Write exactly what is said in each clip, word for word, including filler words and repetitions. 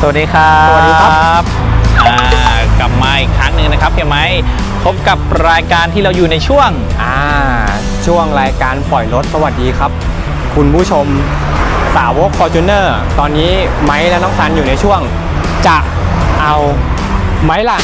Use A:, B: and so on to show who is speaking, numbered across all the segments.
A: วัสดีครับ
B: สวัสดีครับ
A: กลับมาอีกครั้งหนึ่งนะครับเฮียไม้พบกับรายการที่เราอยู่ในช่วง
B: อ่าช่วงรายการปล่อยรถสวัสดีครับคุณผู้ชมสาวก Fortuner ตอนนี้ไม้และน้องซันอยู่ในช่วงจะเอาไหมล่ะ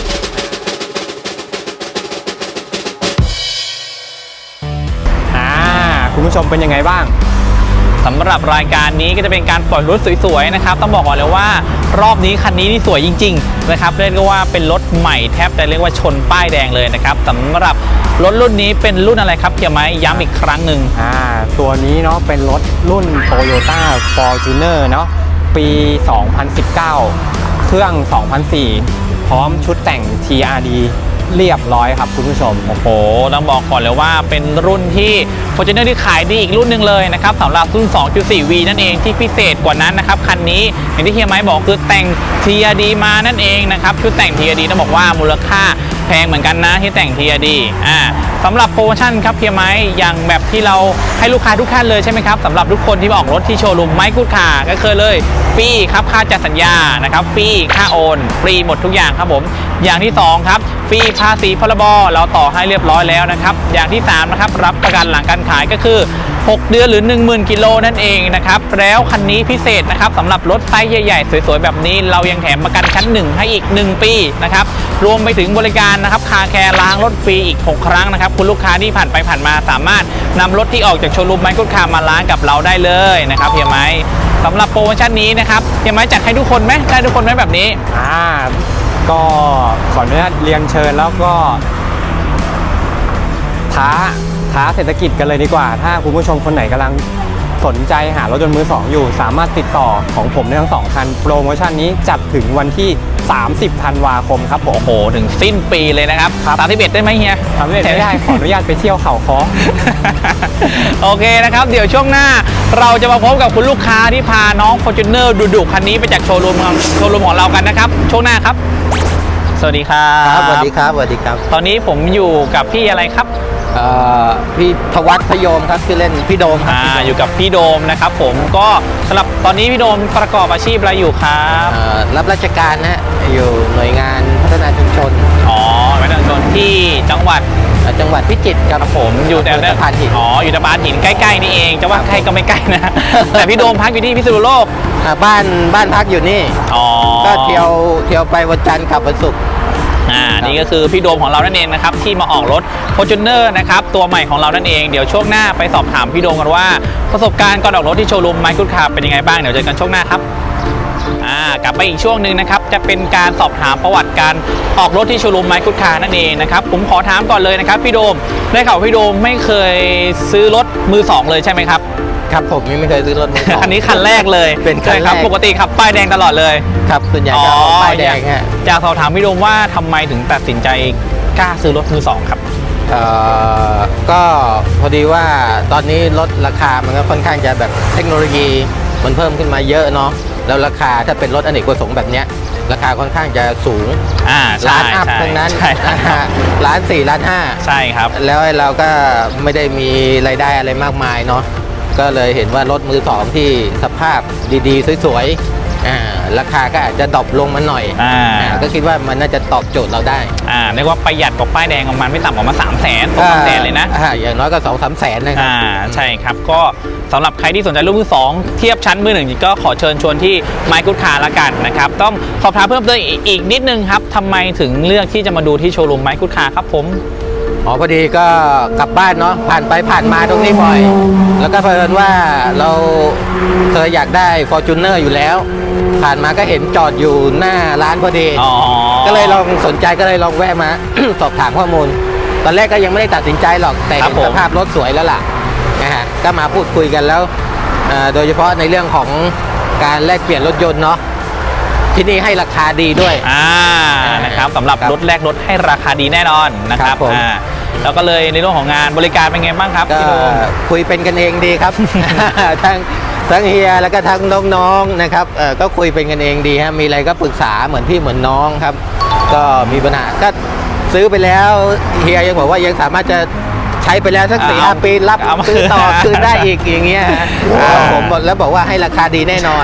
B: อ่าคุณผู้ชมเป็นยังไงบ้าง
A: สำหรับรายการนี้ก็จะเป็นการปล่อยรถสวยๆนะครับต้องบอกก่อนเลยว่ารอบนี้คันนี้นี่สวยจริงๆนะครับเรียกว่าเป็นรถใหม่แทบจะเรียกว่าชนป้ายแดงเลยนะครับสำหรับรถรุ่นนี้เป็นรุ่นอะไรครับเฮียไม้ย้ำอีกครั้งหนึ่ง
B: อ่าตัวนี้เนาะเป็นรถรุ่น Toyota Fortuner เนาะปี สองพันสิบเก้า เครื่อง สองพันสี่ พร้อมชุดแต่ง ที อาร์ ดี เรียบร้อยครับคุณผู้ชม
A: โอ้โหต้องบอกก่อนเลยว่าเป็นรุ่นที่ Fortuner ที่ขายดีอีกรุ่นหนึ่งเลยนะครับสำหรับรุ่น สองจุดสี่ วี นั่นเองที่พิเศษกว่านั้นนะครับคันนี้อย่างที่เฮียไม้บอกคือแต่ง ที อาร์ ดี มานั่นเองนะครับชุดแต่ง ที อาร์ ดี ต้องบอกว่ามูลค่าแพงเหมือนกันนะที่แต่ง ที อาร์ ดี อ่าสำหรับโปรโมชั่นครับเฮียไม้อย่างแบบที่เราให้ลูกค้าทุกท่านเลยใช่ไหมครับสำหรับทุกคนที่มาออกรถที่โชว์รูมไม้กูดคาร์ก็เคยเลยฟรีครับค่าจัดสัญญานะครับฟรีค่าโอนฟรีหมดทุกอย่างครับผมอย่างที่สองครับฟรีภาษีพรบเราต่อให้เรียบร้อยแล้วนะครับอย่างที่สามนะครับรับประกันหลังการขายก็คือหกเดือนหรือ หนึ่งหมื่น กิโลนั่นเองนะครับแล้วคันนี้พิเศษนะครับสำหรับรถไซส์ใหญ่ๆสวยๆแบบนี้เรายังแถมประกันชั้นหนึ่งให้อีกหนึ่งปีนะครับรวมไปถึงบริการนะครับคาแคร์ล้างรถฟรีอีกหกครั้งนะครับคุณลูกค้าที่ผ่านไปผ่านมาสามารถนำรถที่ออกจากโชว์รูมไมค์กูดคาร์มาล้างกับเราได้เลยนะครับเฮียไม้สำหรับโปรโมชั่นนี้นะครับเฮียไม้จัดให้ทุกคนไหมได้ทุกคนไหมแบบนี้
B: อ่าก็ขออนุญาตเรียนเชิญแล้วก็ท้าท้าเศรษฐกิจกันเลยดีกว่าถ้าคุณผู้ชมคนไหนกำลังสนใจหารถยนต์มือสองอยู่สามารถติดต่อของผมได้ทั้งสองคันโปรโมชั่นนี้จัดถึงวันที่สามสิบธันวาคมครับผม
A: โอ้โหถึงสิ้นปีเลยนะครับสามสิบเอ็ดได้ไหมเฮีย
B: สามสิบเอ็ดไม่ได้ขออนุญาตไปเที่ยวเขาค้อ
A: โอเคนะครับเดี๋ยวช่วงหน้าเราจะมาพบกับคุณลูกค้าที่พาน้อง Fortuner ดุๆคันนี้ไปจากโชว์รูมโชว์รูมของเรากันนะครับช่วงหน้าครับสวัสดีครับ
C: สวัสดีครับสวัสดีครับ
A: ตอนนี้ผมอยู่กับพี่อะไรครับ
C: พี่ธวัฒน์พยมครับชื่อเล่นพี่โดมครับ
A: อ่าอยู่กับพี่โดมนะครับผมก็สำหรับตอนนี้พี่โดมประกอบอาชีพอะไรอยู่ครับ
C: รับราชการนะอยู่หน่วยงานพัฒนาชุมชน
A: อ๋อพัฒนาชุมชนที่จังหวัด
C: จังหวัดพิจิตรครับ
A: ผมอยู่แต่ตะพานหินอ๋ออยู่ตะพานหินใกล้ๆนี่เองจะว่าใกล้ก็ไม่ใกล้นะแต่พี่โดมพักอยู่ที่พิษณุโลก
C: บ้านบ้านพักอยู่นี่
A: อ๋อ
C: ก็เที่ยวเที่ยวไปวันจันทร์กลับวันศุกร์
A: อ่านี่ก็คือพี่โดมของเรานั่นเองนะครับที่มาออกรถ Fortuner นะครับตัวใหม่ของเรานั่นเองเดี๋ยวช่วงหน้าไปสอบถามพี่โดมกันว่าประสบการณ์ก่อนออกรถที่โชว์รูมไมค์กูดคาร์เป็นยังไงบ้างเดี๋ยวเจอกันช่วงหน้าครับอ่ากลับไปอีกช่วงหนึ่งนะครับจะเป็นการสอบถามประวัติการออกรถที่โชว์รูมไมค์กูดคาร์นั่นเองนะครับผมขอถามก่อนเลยนะครับพี่โดมได้ข่าวพี่โดมไม่เคยซื้อรถมือสองเลยใช่ไหมครับ
C: ครับผมไม่เคยซื้อรถมือสอง
A: คันนี้คันแรกเลย
C: เป็นคันแรก
A: ปกติขับป้ายแดงตลอดเลย
C: ครับส่วนใหญ่ก็ป้ายแดงฮะ
A: อยากสอบถามพี่โดมว่าทำไมถึงตัดสินใจกล้าซื้อรถมือสองครับ
C: เอ่อก็พอดีว่าตอนนี้รถราคามันก็ค่อนข้างจะแบบเทคโนโลยีมันเพิ่มขึ้นมาเยอะเนาะแล้วราคาถ้าเป็นรถอเนกประสงค์แบบเนี้ยราคาค่อนข้างจะสูง
A: อ่า
C: ล้านอัพทั้งนั้นล้านสี่ล้านห้า
A: ใช่ครับ
C: แล้วเราก็ไม่ได้มีรายได้อะไรมากมายเนาะก็เลยเห็นว่ารถมือสองที่สภาพดีๆสวยๆราคาก็อาจจะดรอปลงมาหน่อยก็คิดว่ามันน่าจะตอบโจทย์เราได้
A: อ่าเรียกว่าประหยัดกว่าป้ายแดงประมาณไม่ต่ำกว่ามาสามแสนสองแสนเลยนะ
C: อย่างน้อยก็สองสามแสนนะครับ
A: อ่าใช่ครับก็สำหรับใครที่สนใจรุ่นมือสองเทียบชั้นมือหนึ่งก็ขอเชิญชวนที่ไมค์กูดคาร์ละกันนะครับต้องสอบถามเพิ่มเติมอีกนิดนึงครับทำไมถึงเลือกที่จะมาดูที่โชว์รูมไมค์กูดคาร์ครับผม
C: อ๋อพอดีก็กลับบ้านเนาะผ่านไปผ่านมาตรงนี้บ่อยแล้วก็เพิ่นว่าเราเคยอยากได้ Fortuner อยู่แล้วผ่านมาก็เห็นจอดอยู่หน้าร้านพอดีก็เลยลองสนใจก็เลยลองแวะมา สอบถามข้อมูลตอนแรกก็ยังไม่ได้ตัดสินใจหรอกแต่เห็นสภาพรถสวยแล้วล่ะนะฮะก็มาพูดคุยกันแล้วโดยเฉพาะในเรื่องของการแลกเปลี่ยนรถยนต์เนาะที่นี่ให้ราคาดีด้วย
A: อ่านะครับสำหรับรถแรกรถให้ราคาดีแน่นอนนะครับอ่าแล้วก็เลยในเรื่องของงานบริการเป็นไงบ้างครับ
C: ก็คุยเป็นกันเองดีครับ ทั้งทั้งเฮียแล้วก็ทั้งน้องๆนะครับเออก็คุยเป็นกันเองดีฮะมีอะไรก็ปรึกษาเหมือนพี่เหมือนน้องครับก็มีปัญหาก็ซื้อไปแล้วเฮียยังบอกว่ายังสามารถจะใช้ไปแล้วสักสี่ห้าปีรับซื้อต่อคืนได้อีกอย่างเงี้ยผมบอกแล้วบอกว่าให้ราคาดีแน่นอน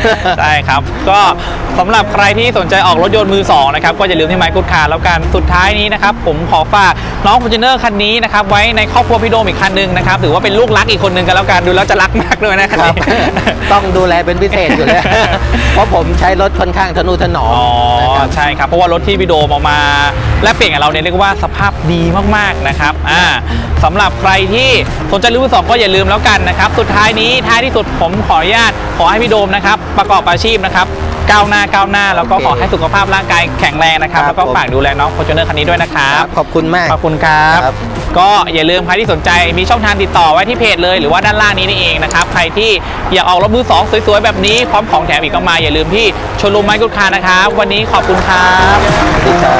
A: ใช่ครับก็สำหรับใครที่สนใจออกรถยนต์มือสองนะครับก็อย่าลืมที่ไมค์กูดคาร์แล้วกันสุดท้ายนี้นะครับผมขอฝากน้อง Fortuner คันนี้นะครับไว้ในครอบครัวพี่โดมอีกคันหนึ่งนะครับถือว่าเป็นลูกรักอีกคนหนึ่งกันแล้วกันดูแล้วจะรักมากด้วยนะค
C: ค
A: รั
C: รับ บ ต้องดูแลเป็นพิเศษอยู่เลย เพราะผมใช้รถค่อนข้างทนุถนอม
A: อ๋อ
C: นะครับ
A: ใช่ครับเพราะว่ารถที่พี่โดมเอามาและเปลี่ยนกับเราเนี่ยเรียกว่าสภาพดีมากๆนะครับอ่าสำหรับใครที่สนใจรุ่นมือสองก็อย่าลืมแล้วกันนะครับสุดท้ายนี้ท้ายที่สุดผมขออนุญาตขอให้พี่โดมนะครับประกอบอาชีพนะครับก้าวหน้าก้าวหน้าแล้วก็
C: โอเค
A: ขอให้สุขภาพร่างกายแข็งแรงนะครับ
C: ครับ
A: แล้วก็
C: ผม
A: ฝากดูแลน้อง Fortuner คันนี้ด้วยนะครับ
C: ขอบคุณมาก
A: ขอบคุณครับ
C: ครับ
A: ก็อย่าลืมใครที่สนใจมีช่องทางติดต่อไว้ที่เพจเลยหรือว่าด้านล่างนี้นี่เองนะครับใครที่อยากออกรถมือสองสวยๆแบบนี้พร้อมของแถมอีกก็มาอย่าลืมที่โชว์รูมไมค์กูดคาร์นะครับวันนี้ขอบคุณครับ
C: สวัสดีครับ